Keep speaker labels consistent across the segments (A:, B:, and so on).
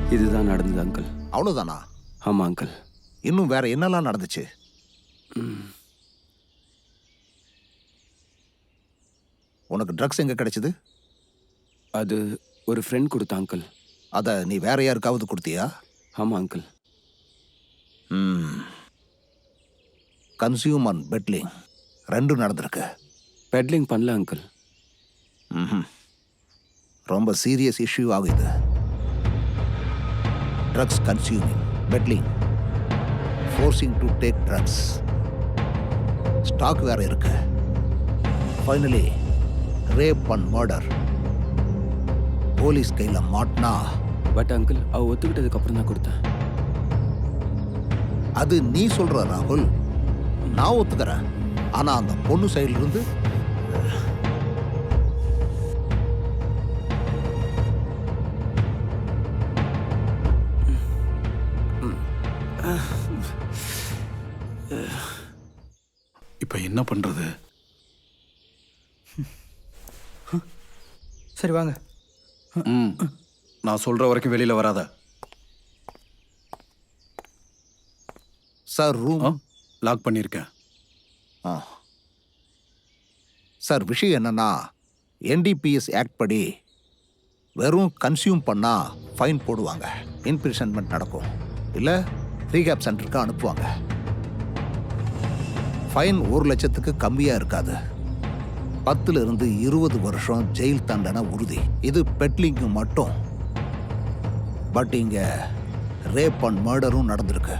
A: இதுதான் நடந்தது அங்கிள்.
B: அவ்வளோதானா?
A: ஆமாம் அங்கிள்.
B: இன்னும் வேற என்னெல்லாம் நடந்துச்சு? உனக்கு ட்ரக்ஸ் எங்கே கிடைச்சது?
A: அது ஒரு ஃப்ரெண்ட் கொடுத்தா அங்கிள்.
B: அதை நீ வேற யாருக்காவது கொடுத்தியா?
A: ஆமாம் அங்கிள்.
B: கன்சியூம் அண்ட் பெட்லிங் ரெண்டும் நடந்திருக்கு.
A: பெட்லிங் பண்ணல அங்கிள்.
B: ரொம்ப சீரியஸ் இஷ்யூ ஆகுது. Drugs consuming, peddling, forcing to take drugs, stock வேற இருக்கு. Finally rape and murder. Police கையில் மாட்டினா.
A: பட் அங்கிள், அவ ஒத்துக்கிட்டதுக்கு அப்புறம் தான் கொடுத்தேன்.
B: அது நீ சொல்ற ராகுல், நான் ஒத்துக்கிறேன். ஆனா அந்த பொண்ணு சைடுல இருந்து
C: இப்ப என்ன பண்றது?
D: சரி வாங்க.
C: நான் சொல்ற வரைக்கும் வெளியில வராத.
B: சார் ரூம்
C: லாக் பண்ணியிருக்கேன்.
B: சார் விஷயம் என்னன்னா, என்டிபிஎஸ் ஆக்ட் படி வெறும் கன்சியூம் பண்ணா ஃபைன் போடுவாங்க, இன்பிரிசன்மெண்ட் நடக்கும், இல்லை ரீகேப் சென்டருக்கு அனுப்புவாங்க. ஃபைன் 1 லட்சத்துக்கு கம்மியாக இருக்காது. 10 இருந்து 20 வருஷம் ஜெயில் தண்டனை உறுதி. இது பெட்லிங்கு மட்டும். பட் இங்க ரேப் அண்ட் மர்டரும் நடந்திருக்கு.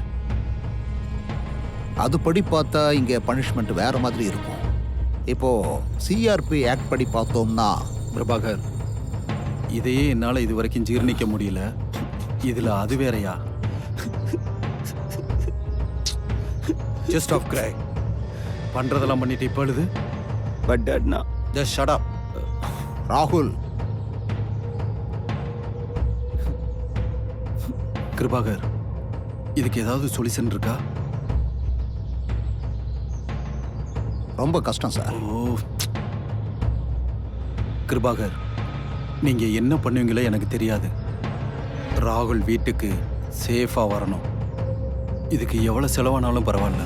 B: அதுபடி பார்த்தா இங்க பனிஷ்மெண்ட் வேற மாதிரி இருக்கும். இப்போ சிஆர்பி ஆக்ட் படி பார்த்தோம்னா.
C: பிரபாகர், இதையே என்னால இது வரைக்கும் ஜீர்ணிக்க முடியல. இதுல அது வேறையா? ஜஸ்ட் ஆஃப் கிரை பண்றதெல்லாம் பண்ணிட்டு இப்ப அழுது.
A: பட் டாட் நான்
C: ஜஸ்ட் ஷட் அப்.
B: ராகுல்,
C: கிருபாகர், இதுக்கு ஏதாவது சொல்யூஷன் இருக்கா?
B: ரொம்ப கஷ்டம் சார்.
C: ஓ கிருபாகர், நீங்க என்ன பண்ணுவீங்களோ எனக்கு தெரியாது. ராகுல் வீட்டுக்கு சேஃபா வரணும். இதுக்கு எவ்வளவு செலவானாலும் பரவாயில்ல.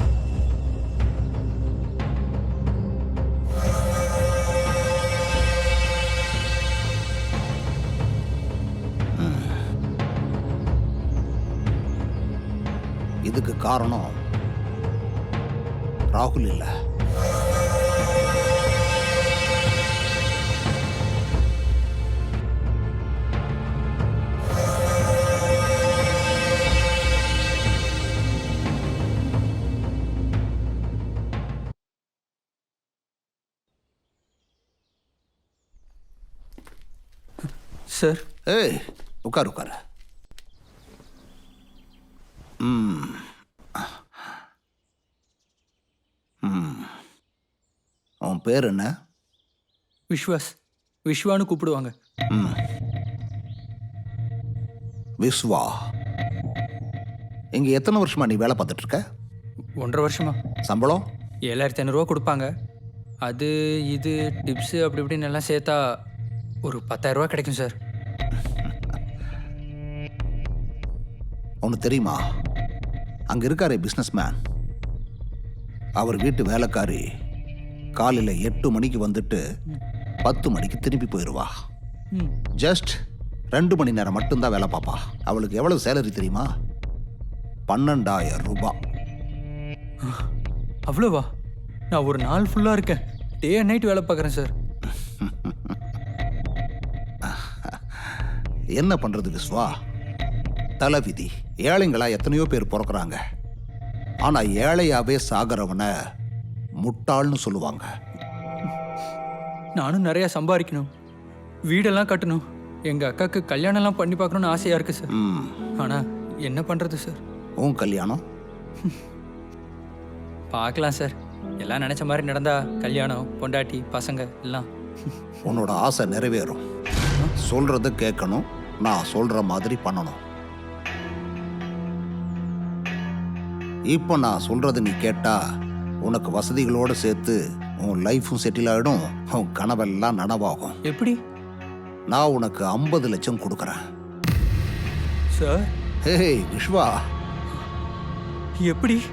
B: இதுக்கு காரணம் ராகுல் இல்ல.
D: சார்.
B: ஏய், உட்காரு உட்காரு. உன் பேர் என்ன?
D: விஸ்வாஸ். விஸ்வான்னு கூப்பிடுவாங்க.
B: விஸ்வா. இங்க எத்தனை வருஷமா நீ வேலை பார்த்துட்டு இருக்க?
D: 1.5 வருஷமா.
B: சம்பளம்
D: 7500 கொடுப்பாங்க. அது இது டிப்ஸு அப்படி இப்படின்னு எல்லாம் சேர்த்தா ஒரு 10,000 கிடைக்கும் சார்.
B: ஒன்று தெரியுமா, அங்கே இருக்காரே பிஸ்னஸ் மேன், அவர் வீட்டு வேலைக்காரி காலையில் 8 மணிக்கு வந்துட்டு 10 மணிக்கு திரும்பி போயிடுவா. ஜஸ்ட் 2 மணி நேரம் மட்டும்தான் வேலை பார்ப்பா. அவளுக்கு எவ்வளவு சேலரி தெரியுமா? 12,000 ரூபாய்.
D: அவ்வளோவா? நான் ஒரு நாள் ஃபுல்லாக இருக்கேன். டே அண்ட் நைட் வேலை பார்க்குறேன் சார்.
B: என்ன பண்ணுறது விஸ்வா, தலைவிதி. ஏழைங்களா எத்தனையோ பேர் பிறக்கிறாங்க. ஆனால் ஏழையாவே சாகிறவனை முட்டாள்னு சொல்லுவாங்க.
D: நானும் நிறையா சம்பாதிக்கணும், வீடெல்லாம் கட்டணும், எங்கள் அக்காவுக்கு கல்யாணம்லாம் பண்ணி பார்க்கணுன்னு ஆசையாக இருக்குது சார். ஆனால் என்ன பண்ணுறது சார்?
B: உன் கல்யாணம்
D: பார்க்கலாம் சார். எல்லாம் நினச்ச மாதிரி நடந்தா கல்யாணம், பொண்டாட்டி, பசங்க எல்லாம்.
B: உன்னோட ஆசை நிறைவேறும். சொல்றது கேட்கணும், நான் சொல்ற மாதிரி பண்ணணும். இப்போ நான் சொல்றது நீ கேட்டா உனக்கு வசதிகளோடு சேர்த்து உன் லைஃப்பும் செட்டில் ஆகிடும், உன் கனவெல்லாம் நனவாகும்.
D: எப்படி?
B: நான் உனக்கு 50 லட்சம் கொடுக்குறேன்.
D: சார்
B: ஏய் விஸ்வா,
D: எப்படி?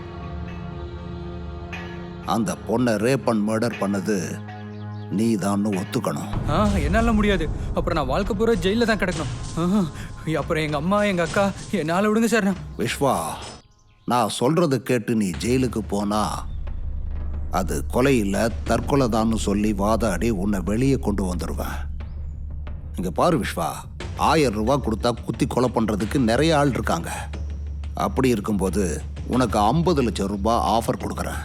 B: அந்த பொண்ணை ரேப் அண்ட் மர்டர் பண்ணது நீ தான் ஒத்துக்கணும்.
D: என்னால முடியாது. அப்புறம் நான் வாழ்க்கை பூரா ஜெயில தான் கிடக்கணும். அப்புறம் எங்க அம்மா எங்க அக்கா என்னால விடுங்க சார்.
B: விஸ்வா, நான் சொல்றது கேட்டு நீ ஜெயிலுக்கு போனா அது கொலை இல்லை தற்கொலை தான்னு சொல்லி வாதாடி உன்னை வெளியே கொண்டு வந்துடுவேன். இங்க பாரு விஸ்வா, 1000 ரூபாய் கொடுத்தா குத்தி கொலை பண்றதுக்கு நிறைய ஆள் இருக்காங்க. அப்படி இருக்கும்போது உனக்கு 50 லட்சம் ரூபாய் ஆஃபர் கொடுக்குறேன்.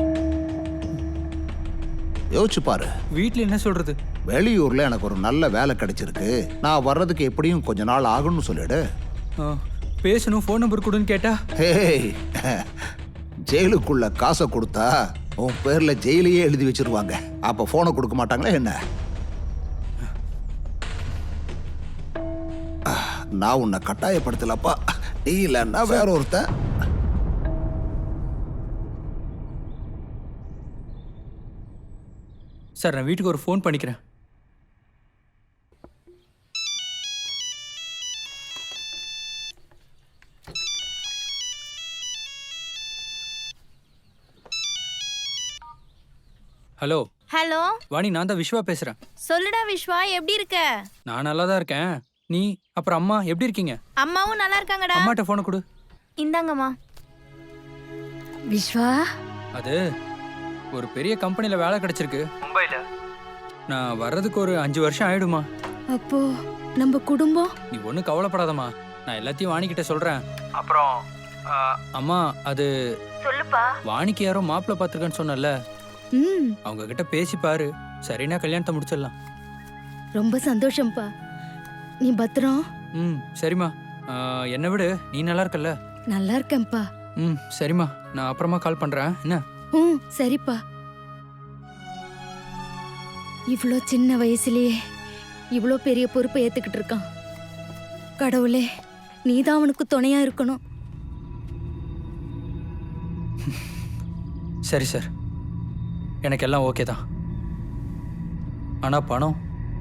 B: யோசிச்சு பாரு.
D: வீட்டில் என்ன சொல்றது?
B: வெளியூர்ல எனக்கு ஒரு நல்ல வேலை கிடைச்சிருக்கு, நான் வர்றதுக்கு எப்படியும் கொஞ்ச நாள் ஆகும்னு சொல்லிடு.
D: பேசணும், ஃபோன் நம்பர் கொடுன்னு கேட்டா?
B: ஹேய், ஜெயிலுக்குள்ள காசை கொடுத்தா உன் பேர்ல ஜெயிலையே எழுதி வச்சிருவாங்க. அப்ப போனை கொடுக்க மாட்டாங்களா என்ன? நான் உன்னை கட்டாயப்படுத்தலப்பா, நீ இல்லைன்னா வேற ஒருத்தன்.
D: சார் நான் வீட்டுக்கு ஒரு ஃபோன் பண்ணிக்கிறேன். ஹலோ
E: ஹலோ
D: வாணி, நான் தான் விஸ்வா பேசுறேன்.
E: சொல்லுடா விஸ்வா, எப்படி இருக்க?
D: நான் நல்லா தான் இருக்கேன். நீ அப்புறம் அம்மா எப்படி இருக்கீங்க?
E: அம்மாவும் நல்லா இருக்காங்கடா.
D: அம்மாட்ட ஃபோனை கொடு.
E: இந்தாங்கம்மா. விஸ்வா,
D: அது ஒரு பெரிய கம்பெனியில் வேலை கிடைச்சிருக்கு மும்பையில். நான் வர்றதுக்கு ஒரு 5 வருஷம் ஆயிடுமா.
E: அப்போ நம்ம குடும்பம்?
D: நீ ஒன்றும் கவலைப்படாதம்மா, நான் எல்லாத்தையும் வாணிக்கிட்ட சொல்கிறேன். அப்புறம் அம்மா, அது
E: சொல்லுப்பா.
D: வாணிக்கு யாரோ மாப்பிள்ளை பார்த்துருக்கேன்னு சொன்னல, அவங்க கிட்ட பேசி பாரு, சரினா கல்யாணத்தை முடிச்சிடலாம்.
E: ரொம்ப சந்தோஷம்ப்பா. நீ பத்திரம்.
D: சரிம்மா. என்னை விடு, நீ நல்லா இருக்கல்ல?
E: நல்லா இருக்கேன்ப்பா.
D: சரிம்மா, நான் அப்புறமா கால் பண்ணுறேன். என்ன?
E: சரிப்பா. இவ்வளோ சின்ன வயசுலயே இவ்வளோ பெரிய பொறுப்பை ஏத்துக்கிட்டு இருக்கான். கடவுளே, நீதான் அவனுக்கு துணையா இருக்கணும்.
D: சரி சார், எனக்கு எல்லாம் ஓகே தான். ஆனால் பணம்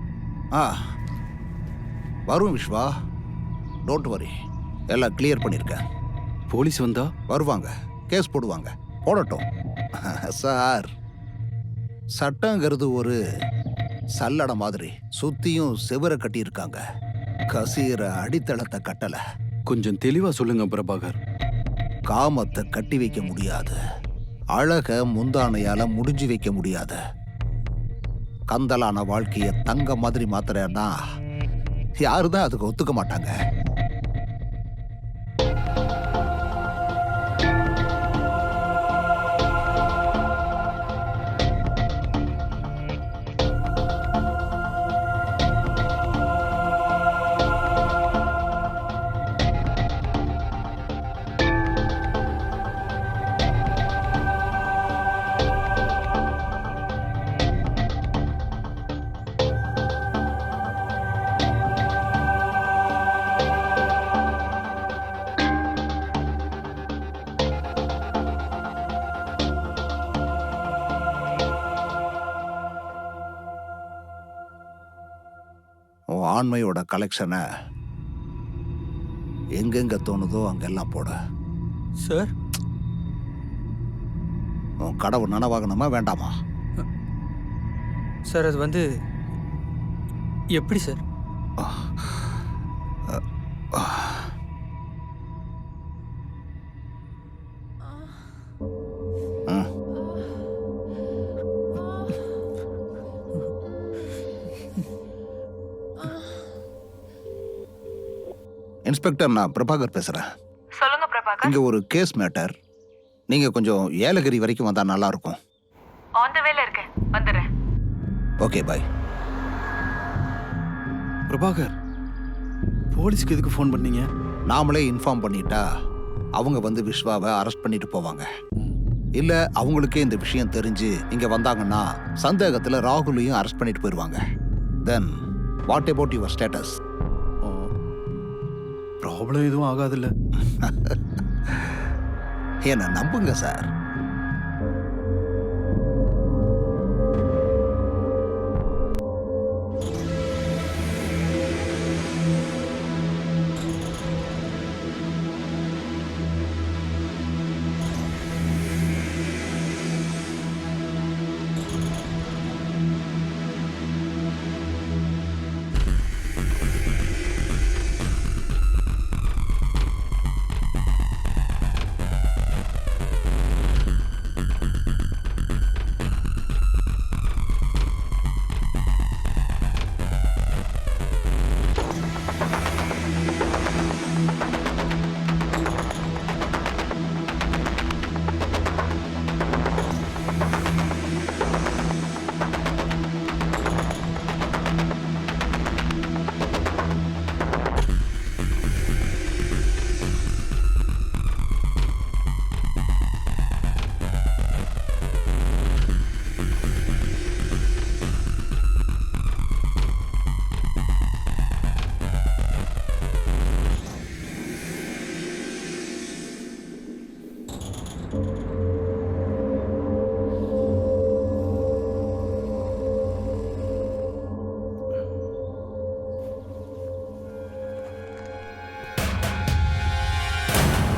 B: வரும் விஸ்வா, டோன்ட் வரி, எல்லாம் கிளியர் பண்ணியிருக்கேன்.
C: போலீஸ் வந்தா
B: வருவாங்க, கேஸ் போடுவாங்க, போடட்டும். சார், சட்டங்கிறது ஒரு சல்லடை மாதிரி சுத்தியும் செவரை கட்டியிருக்காங்க, கசீர அடித்தளத்தை கட்டல.
C: கொஞ்சம் தெளிவா சொல்லுங்க பிரபாகர்.
B: காமத்தை கட்டி வைக்க முடியாது, அழக முந்தானையால முடிஞ்சு வைக்க முடியாது. கந்தலான வாழ்க்கைய தங்க மாதிரி மாத்துறேன்னா யாருதான் அதுக்கு ஒத்துக்க மாட்டாங்க. ஆண்மையோட கலெக்ஷனை எங்கெங்க தோணுதோ அங்கெல்லாம் போட.
D: சார்,
B: உன் கடவுள் நனவாகணுமா வேண்டாமா?
D: சார் அது வந்து எப்படி சார்?
B: இன்ஸ்பெக்டர், நான் பிரபாகர் பேசுறேன்.
F: சொல்லுங்க பிரபாகர்.
B: இங்க ஒரு கேஸ் மேட்டர், நீங்க கொஞ்சம் ஏலகிரி வரைக்கும் வந்தா நல்லா இருக்கும்.
F: ஆன் தி வேல இருக்கேன், வந்துடுறேன்.
B: ஓகே, பாய்.
C: பிரபாகர், போலீஸ்க்கு எதுக்கு ஃபோன் பண்ணீங்க?
B: நாமளே இன்ஃபார்ம் பண்ணிட்டா அவங்க வந்து விஸ்வாவை அரெஸ்ட் பண்ணிட்டு போவாங்க. இல்ல அவங்களுக்கே இந்த விஷயம் தெரிஞ்சு இங்க வந்தாங்கன்னா சந்தேகத்துல ராகுலையும் அரெஸ்ட் பண்ணிட்டு போயிடுவாங்க. Then what about your status?
C: Problem எதுவும் ஆகாதுல்ல?
B: என்ன நம்புங்க சார்.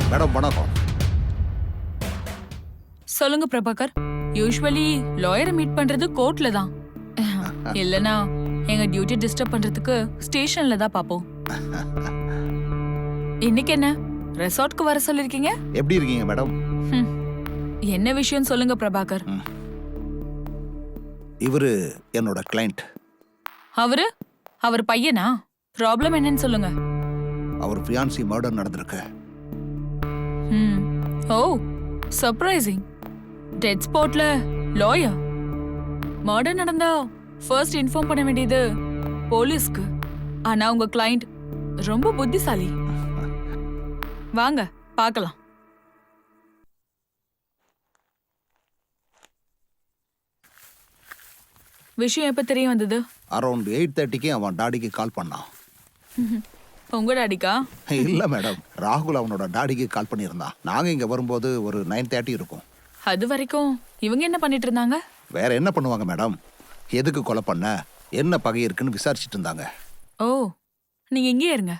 B: மேடம் வணக்கம்.
G: சொல்லுங்க பிரபாகர். யூசுவலி லாயரை மீட் பண்றது கோர்ட்ல தான். இல்லனா எங்க டியூட்டி டிஸ்டர்ப் பண்றதுக்கு ஸ்டேஷன்ல தான் பாப்போம். இன்னைக்கு என்ன ரெசார்ட்க்கு வர சொல்லிருக்கீங்க?
B: எப்படி இருக்கீங்க மேடம்?
G: என்ன விஷயம் சொல்லுங்க பிரபாகர்.
B: இவரு என்னோட கிளைண்ட்.
G: அவர் பையனா? ப்ராப்ளம் என்னன்னு சொல்லுங்க.
B: அவர் ஃபியான்சி மர்டர் நடந்திருக்கு.
G: Oh surprising. டெட் ஸ்பாட்ல லாயர். மர்டர் நடந்தா ஃபர்ஸ்ட் இன்ஃபார்ம் பண்ண வேண்டியது போலீஸ்க்கு. ஆனா உங்க கிளைண்ட் ரொம்ப புத்திசாலி. வாங்க பார்க்கலாம். விஷயம் எப்ப தெரிய வந்தது?
B: அரௌண்ட் 8:30க்கு அவன் டாடிக்கு கால் பண்ணான்.
G: உங்க டாடிக்கா?
B: இல்ல மேடம், ராகுல் அவனோட டாடிக்கு கால் பண்ணியிருந்தான். நாங்க இங்க வரும்போது ஒரு 9:30 இருக்கும்.
G: அது வரைக்கும் இவங்க என்ன பண்ணிட்டு இருந்தாங்க?
B: வேற என்ன பண்ணுவாங்க மேடம்? எதுக்கு கொலை பண்ண, என்ன பகை இருக்குன்னு விசாரிச்சுட்டு இருந்தாங்க.
G: ஓ நீங்க இங்கே இருங்க.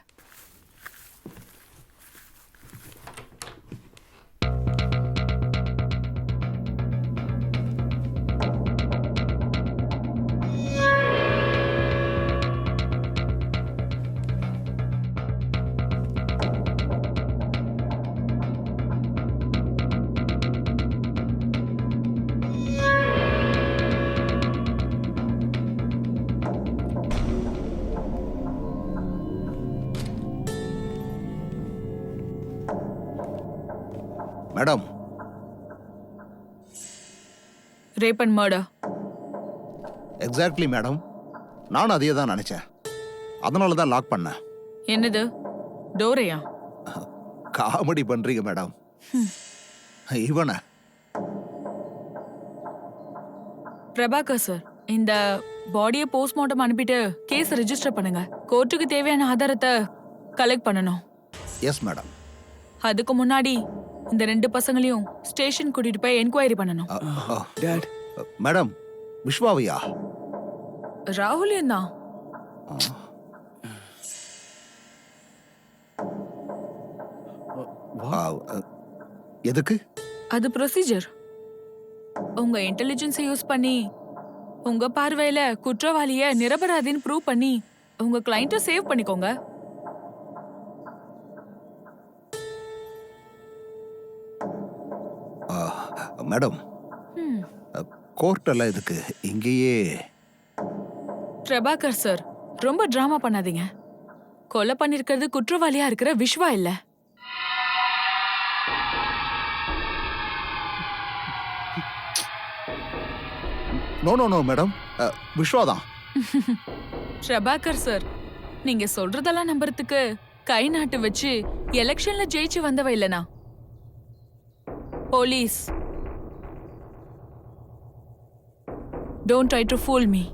B: Madam,
G: rape and murder.
B: Exactly madam, நானும் அதையே தான் நினைச்சேன். அதனால தான் லாக் பண்ணேன்.
G: என்னது டோரையா?
B: காமெடி பண்றீங்க மேடம். இவன
G: பிரபாகர் சார், இந்த பாடியை போஸ்ட்மார்ட்டம் அனுப்பிட்டு கேஸ் ரெஜிஸ்டர் பண்ணுங்க. கோர்ட்டுக்கு தேவையான ஆதாரத்தை கலெக்ட் பண்ணணும்.
B: Yes madam.
G: அதுக்கு முன்னாடி இந்த 2 பசங்களையும் ஸ்டேஷன் கூட்டிட்டு போய் என்கொயரி பண்ணணும்.
A: Date,
B: madam, விஸ்வாவையா?
G: ராகுலியம் தான்.
B: எதுக்கு?
G: அது ப்ரொசீஜர். உங்க இன்டெலிஜென்ஸை யூஸ் பண்ணி உங்க பார்வையில குற்றவாளிய நிரபராதின்னு ப்ரூவ் பண்ணி உங்க கிளையண்ட்டை சேவ் பண்ணிக்கோங்க.
B: மேடம், கோர்ட்டெல்லாம் இதுக்கு இங்கேயே.
G: பிரபாகர் சார், ரொம்ப டிராமா பண்ணாதீங்க. கொலை பண்ணிருக்கிறது குற்றவாளியா இருக்கிற விஸ்வா இல்ல.
B: நோ நோ நோ மேடம், விஸ்வாதான்.
G: பிரபாகர் சார், நீங்க சொல்றதெல்லாம் நம்புறதுக்கு கை நாட்டு வச்சு எலெக்ஷன்ல ஜெயிச்சு வந்தவ இல்லனா police. Don't try to fool me.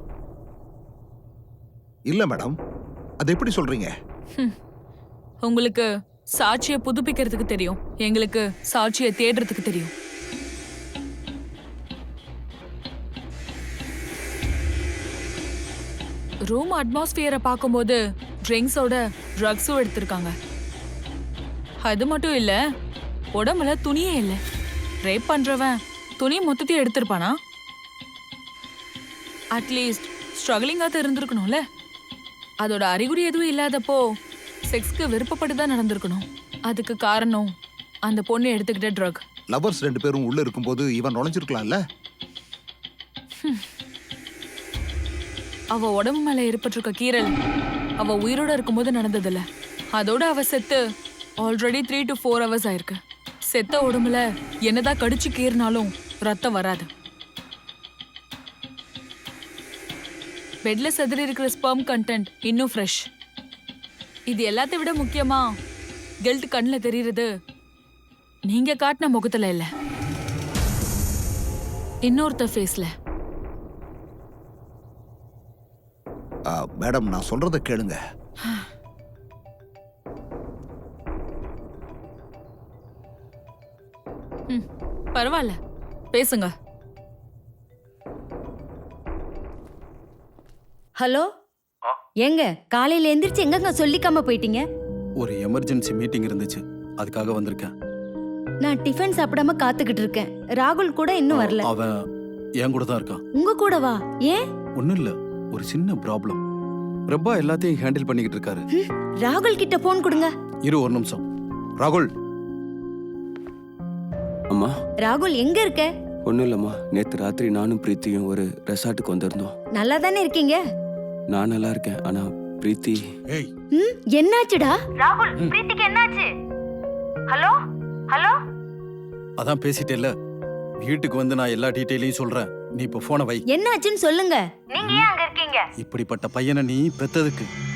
B: இல்ல மேடம், அது எப்படி சொல்றீங்க?
G: உங்களுக்கு சாட்சியை புதுப்பிக்கிறதுக்கு தெரியும், எங்களுக்கு சாட்சியை தேடுறதுக்கு தெரியும். ரூம் அட்மாஸ்பியரை பார்க்கும்போது ட்ரிங்க்ஸோட ட்ரக்ஸும் எடுத்திருக்காங்க. அது மட்டும் இல்ல, உடம்புல துணியே இல்லை. ரேப் பண்றவன் துணி மொத்தத்தையும் எடுத்திருப்பானா? அட்லீஸ்ட் ஸ்ட்ரகிளிங்காக இருந்திருக்கணும்ல. அதோட அறிகுறி எதுவும் இல்லாதப்போ செக்ஸ்க்கு விருப்பப்பட்டு தான் நடந்திருக்கணும். அதுக்கு காரணம் அந்த பொண்ணு எடுத்துக்கிட்ட ட்ரக்.
B: லவர்ஸ் 2 பேரும் உள்ள இருக்கும்போது இவன் நுழைஞ்சிருக்கலாம்ல.
G: அவ உடம்பு மேல ஏற்பட்டிருக்க கீறல் அவ உயிரோட இருக்கும்போது நடந்ததில்ல. அதோட அவ செத்து ஆல்ரெடி 3 to 4 hours ஆயிருக்கு. செத்த உடம்புல என்னதான் கடிச்சு கீறினாலும் ரத்தம் வராது. பெட்ல செதறி இருக்கிற ஸ்பெர்ம் கண்டென்ட் இன்னும் ஃப்ரெஷ். இது எல்லாத்தை விட முக்கியமா கில்ட் கண்ணில் தெரியுறது நீங்க காட்டின முகத்துல இல்ல, இன்னொருத்த ஃபேஸ்ல.
B: மேடம், நான் சொல்றத கேளுங்க.
G: பரவாயில்ல, பேசுங்க.
E: ஹலோ, ஏங்க காலையில எந்திரிச்சு எங்கங்க சொல்லிக்காம போயிட்டீங்க?
C: ஒரு எமர்ஜென்சி மீட்டிங் இருந்துச்சு, அதுக்காக வந்திருக்கேன்.
E: நான் டிஃபன் சாப்பிடாம காத்துக்கிட்டு இருக்கேன். ராகுல் கூட இன்னும் வரல.
C: அவன் என் கூட தான் இருக்கான்.
E: உங்க கூட வா. ஏன்?
C: ஒன்றும் இல்லை, ஒரு சின்ன ப்ராப்ளம். பிரபா எல்லாத்தையும் ஹேண்டில் பண்ணிக்கிட்டு இருக்காரு.
E: ராகுல் கிட்ட போன் கொடுங்க.
C: இரு ஒரு நிமிஷம். ராகுல்,
A: அம்மா
E: ராகுல் எங்க இருக்க?
A: ஒன்றும் இல்லைம்மா, நேற்று ராத்திரி நானும் பிரீத்தியும் ஒரு ரெசார்ட்டுக்கு வந்திருந்தோம்.
E: நல்லா தானே இருக்கீங்க?
A: நான் நல்லா இருக்கேன், ஆனா பிரீத்தி
C: ஏய்
E: என்னாச்சுடா?
F: ராகுல் பிரீத்திக்கு என்னாச்சு? ஹலோ ஹலோ
C: அதான் பேசிட்டேல்ல, வீட்டுக்கு வந்து நான் எல்லா டீட்டெயிலையும் சொல்றேன். நீ இப்போ போனை வை.
E: என்னாச்சுன்னு சொல்லுங்க.
F: நீங்க ஏன் அங்க இருக்கீங்க?
C: இப்படிப்பட்ட பையனை நீ பெத்ததுக்கு